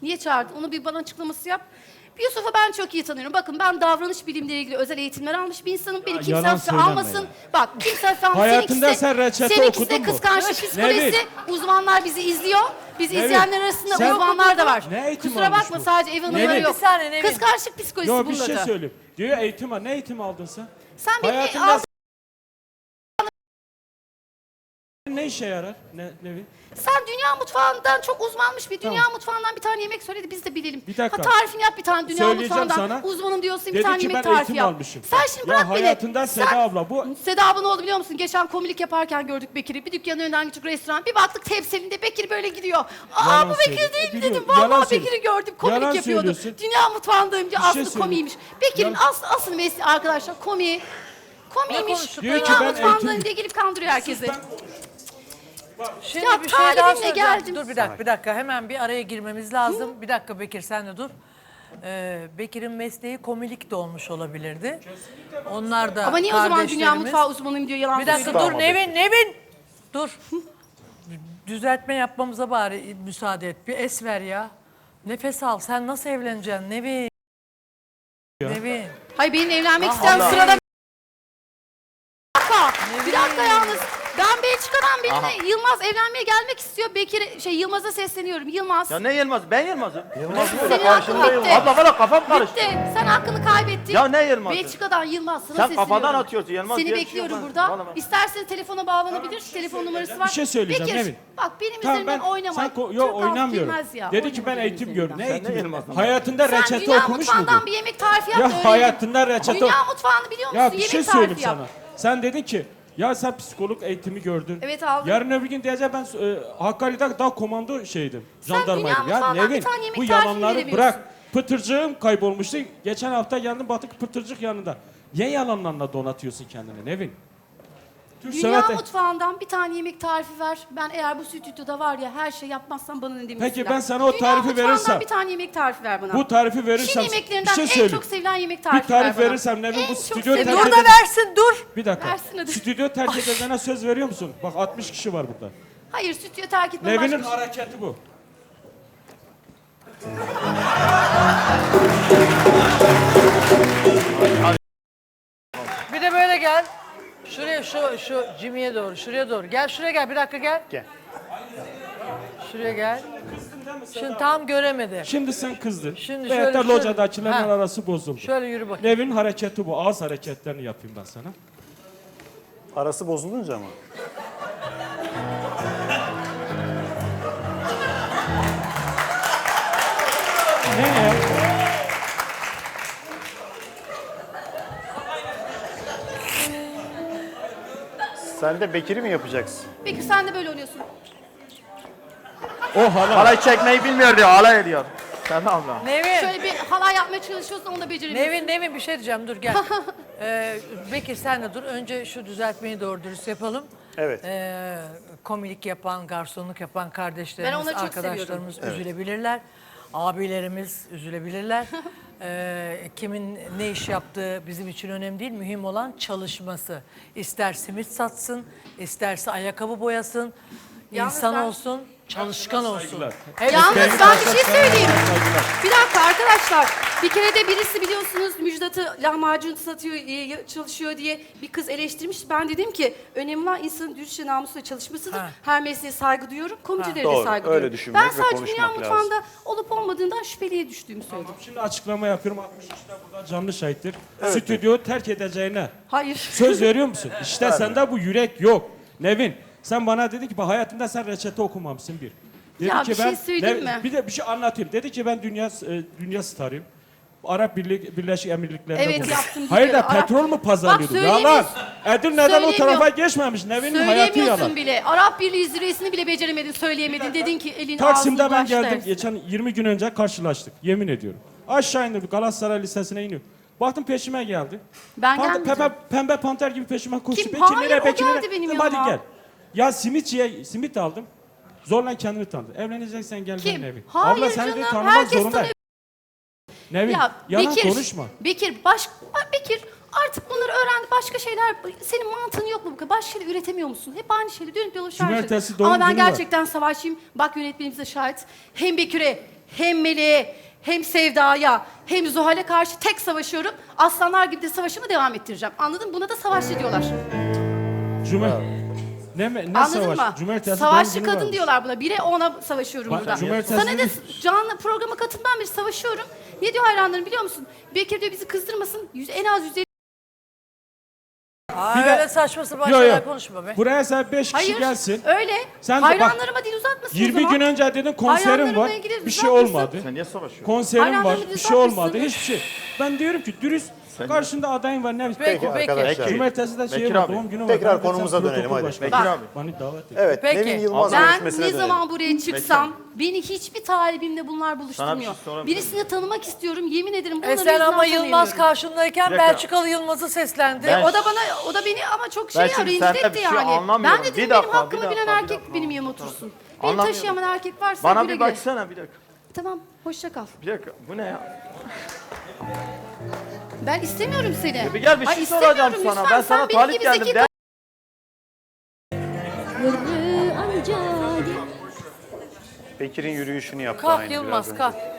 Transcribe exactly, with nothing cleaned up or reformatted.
Niye çağırdın? Onu bir bana açıklaması yap. Yusuf'u ben çok iyi tanıyorum. Bakın ben davranış bilimleriyle ilgili özel eğitimler almış bir insanım. Beni kimse yalan hafife söyleme almasın. ya. Bak kimse hafife almasın. Hayatında Seninkisi- sen reçete seninkisi okudun de mu? kıskançlık psikolojisi. Nevin. Uzmanlar bizi izliyor. Bizi Nevin, izleyenler arasında sen- uzmanlar da var. Ne eğitim Kusura almış bakma bu? sadece ev hanımları Nevin. yok. Bir saniye, Nevin. Kıskançlık psikolojisi Yo bir bunun şey adı. söyleyeyim. Diyor eğitim al. Ne eğitim aldın sen? Sen benim Hayatında aldığın- ne işe yarar? Ne, Nevin? Sen dünya mutfağından çok uzmanmış bir dünya mutfağından bir tane yemek söyledi biz de bilelim. Bir dakika. Ha tarifini yap bir tane dünya Söyleyeceğim mutfağından. sana. Uzmanım diyorsun bir Dedi tane ki yemek ben tarifi eğitim yap. almışım. Sen şimdi Ya bırak beni. hayatında Sen- Seda abla bu- Seda abla ne oldu biliyor musun? Geçen komilik yaparken gördük Bekir'i. Bir dükkanın önünden küçük restoran. Bir baktık tepsilinde Bekir böyle gidiyor. Aa Yalan bu Bekir söylüyor. değil mi Biliyorum, dedim. yalan Vallahi söylüyor. Bekir'i gördüm. Komilik Yalan yapıyordu. söylüyorsun. Dünya mutfağındayım diye Bir şey aslı söyleyeyim. komiymiş. Bekir'in Ya- aslı, asıl mesleği arkadaşlar komiği. Komiymiş. konuştuk Diyor ki Dünya ben mutfağındayım eğitim- diye gelip kandırıyor herkesi. Şimdi Ya bir şey daha talibimle söyleyeceğim. geldim. Dur bir dakika, bir dakika. Hemen bir araya girmemiz lazım. Bir dakika Bekir sen de dur. Ee, Bekir'in mesleği komilik de olmuş olabilirdi. Onlar da Ama niye o zaman dünya kardeşlerimiz. mutfağı uzmanıyım diyor yalan Bir dakika söylüyor. dur Nevin, Nevin. Dur. Düzeltme yapmamıza bari müsaade et. Bir es ver ya. Nefes al. Sen nasıl evleneceksin Nevin? Nevin. Hayır benim evlenmek Ah, isteyen Allah. sırada... Bir dakika, bir Ne dakika bileyim. yalnız. Ben Belçika'dan birine Yılmaz evlenmeye gelmek istiyor. Bekir, şey Yılmaz'a sesleniyorum. Yılmaz. Ya ne Yılmaz? Ben Yılmaz'ım. Senin hakkın bitti. Abla valla kafam karıştı. Bitti. Sen hakkını kaybettin. Ya ne Yılmaz'ı? Belçika'dan Yılmaz sana Sen sesleniyorum. kafadan atıyorsun, Yılmaz Seni diye bir şey bekliyorum yok. burada. Vallahi. İstersen telefona bağlanabilir. Telefon numarası var. Bir şey söyleyeceğim, Bekir, Nevin. bak benim Tamam üzerimden ben oynama. sen ko- Türk yo halkı oynamıyorum. bilmez ya. Dedi ki ben Oynama eğitim benim gördüm. Ne üzerimden. Sen ne eğitimi? Yılmaz'ın? Hayatında Sen reçete dünya okumuş mutfağından muydun? bir yemek tarifi yap Ya da öyle hayatında yedim. reçete- Dünya mutfağını biliyor musun? Ya bir yemek şey tarifi söyleyeyim yap. sana. Sen dedin ki ya sen psikolog eğitimi gördün. Evet, aldım. Yarın öbür gün diyeceğim ben e, Hakkari'de daha komando şeydim. Sen Jandarmaydım. dünya Ya mutfağından Nevin bir tane yemek bu tarifi yalanları veremiyorsun. bırak. Pıtırcığım kaybolmuştu. Geçen hafta geldim baktık pıtırcık yanında. Niye yalanlarla donatıyorsun kendini Nevin? Türk Dünya sanat- mutfağından bir tane yemek tarifi ver. Ben eğer bu stüdyoda var ya her şey yapmazsam bana ne demesinler. Peki ben sana o Dünya tarifi mutfağından verirsem- bir tane yemek tarifi ver bana. Bu tarifi Çin verirsem yemeklerinden bir şey en söyleyeyim. çok sevilen yemek Bir tarifi ver tarif bana. verirsem Nevin En bu çok stüdyo sevilen- terk Dur da eder- versin dur. Bir dakika. Versin hadi. Stüdyo terk edeceğine söz veriyor musun? Bak altmış kişi var burada. Hayır stüdyo terk etmem Nevin'in başka bir şey. hareketi bu. Bir de böyle gel. Şuraya şu şu Jimmy'ye doğru, şuraya doğru. Gel şuraya gel. Bir dakika gel. Gel. Şuraya gel. Şimdi tam göremedi. Şimdi sen kızdın. Şimdi Veyahut şöyle- da şöyle- locadakilerin Ha. arası bozuldu. Şöyle yürü bakayım. Nevin hareketi bu. Ağız hareketlerini yapayım ben sana. Arası bozulunca mı? Ne ya? Sen de Bekir'i mi yapacaksın? Peki sen de böyle oynuyorsun. O hala. Halay çekmeyi bilmiyor diyor, halay ediyor. Sen abla. Nevin. Şöyle bir halay yapmaya çalışıyorsun onu da beceremiyorsun. Nevin, Nevin bir şey diyeceğim. Dur gel. ee, Bekir sen de dur. Önce şu düzeltmeyi doğru dürüst yapalım. Evet. Ee, komilik yapan, garsonluk yapan Ben kardeşlerimiz, onları çok arkadaşlarımız üzülebilirler. Abilerimiz üzülebilirler. Ee, kimin ne iş yaptığı bizim için önemli değil. Mühim olan çalışması. İster simit satsın, isterse ayakkabı boyasın, Yalnız insan ben- olsun, çalışkan olsun. Saygılar. Evet. Yalnız Benim ben bir şey arkadaşlarım- söyleyeyim. Saygılar. Bir dakika arkadaşlar. Bir kere de birisi biliyorsunuz Müjdat'ı lahmacun satıyor, e, çalışıyor diye bir kız eleştirmiş. Ben dedim ki önemli olan insanın dürüstçe namusla çalışmasıdır. Ha. Her mesleğe saygı duyuyorum. Komicilere de Doğru, saygı öyle duyuyorum. düşünmek Ben ve sadece konuşmak dünya lazım. mutfağında olup olmadığından şüpheliye düştüğümü söyledim. Şimdi açıklama yapıyorum. altmış kişi de burada canlı şahittir. Stüdyoyu terk edeceğine Hayır. söz veriyor musun? İşte sende bu yürek yok. Nevin sen bana dedi ki bak hayatında sen reçete okumamışsın bir. Dedi Ya ki bir şey söyleyeyim mi? Bir de bir şey anlatayım. Dedi ki ben dünya e, dünya starıyım. Arap Birlik, Birleşik Emirlikleri'nde Evet, buldum. yaptım, Hayır da biliyorum. Arap- petrol mü pazarlıyordun? Bak, Yalan. söylemiyorsun. Edirne'den o Söylemiyor. tarafa geçmemiş. Nevin'in hayatı Söyleyemiyorsun yalan. bile. Arap Birliği zirvesini bile beceremedin, söyleyemedin. Dedin ki elin Taksim'de ağzını ben baş geldim. dersin. Geçen yirmi gün önce karşılaştık. Yemin ediyorum. Aşağı indim. Galatasaray Lisesi'ne iniyorum. Baktım peşime geldi. Ben Pant- gelmeyeceğim. pembe, pembe panter gibi peşime koştu. Kim? Bekir Hayır, nereye, o Bekir geldi nereye? benim Dedim, yanıma. hadi gel. Ya simitçiye simit aldım. Zorla kendini tanıdı. Evleneceksen gel Kim? benim evim. Hayır Abla seni canım, de tanımak herkes zorunda. tanıyor. Nevin Ya yalan Bekir, konuşma. Bekir, baş, Bekir artık bunları öğrendi. Başka şeyler, senin mantığın yok mu bu kadar? Başka şeyler üretemiyor musun? Hep aynı şeyleri dönüp dolaşıyor. Cumartesi doğum Ama ben günü var. gerçekten savaşçıyım. Bak yönetmenimiz de şahit. Hem Bekir'e hem Melek'e, hem Sevda'ya, hem Zuhal'e karşı tek savaşıyorum. Aslanlar gibi de savaşımı devam ettireceğim. Anladın mı? Buna da savaşçı diyorlar. Cumhur. Ne, ne Anladın savaş? mı? Cumartesi Savaşçı doğum günü kadın varmış. diyorlar buna. Bire ona savaşıyorum Bak, burada. cumartesi Sana da değil. canlı programa katılmam bir savaşıyorum. Ne diyor hayranlarım biliyor musun? Bekir diyor bizi kızdırmasın. Yüz, en az yüz elli... Aa, Bir de- öyle saçma sapan Yo, yo. şeyler konuşma be. Buraya sen beş kişi Hayır gelsin. öyle. Sen de bak, Hayranlarıma dil uzatmasın o yirmi zaman. gün önce dedin konserim Hayranlarımla var. ilgili Bir şey uzatmasın. olmadı. Sen niye savaşıyorsun? Konserim var. Hayranlarımı Bir şey düzeltmişsin. olmadı. Hiçbir şey. Ben diyorum ki dürüst karşında adayın var. Ne Peki, Peki peki. arkadaşlar. Cumartesi de şey Bekir var. abi. Doğum günü var. Tekrar Ben de konumuza sen dönelim, protokol hadi. başkanı. Bekir Bak. abi. Beni davet et. Evet, Peki. Nevin Yılmaz Ben görüşmesine ne dönelim. zaman buraya çıksam beni hiçbir talibimle bunlar buluşturmuyor. şey sorabilir miyim? Birisini tanımak istiyorum. Yemin ederim bunları E sen ama yüzünden Yılmaz tanıyamıyorum. karşındayken Bir dakika. Belçikalı Yılmaz'ı seslendi. Ben- O da bana, o da beni ama çok şey Ben ya, şimdi rencide senden etti bir şey yani. anlamıyorum. Ben de Bir dedim dakika, benim bir hakkımı dakika, bilen bir erkek dakika. benim yanıma otursun. Beni Anlamıyorum. taşıyamayan erkek varsa Bana güle bir güle. baksana bir dakika. Tamam, hoşça kal. Bir dakika. Bu ne ya? Ben istemiyorum seni. Bir gel bir Ay, şey soracağım istemiyorum sana. lütfen. Ben sana Sen benim talip gibi geldim. zeki De. Bekir'in yürüyüşünü yaptı Kalk aynı Yılmaz biraz önce. kalk.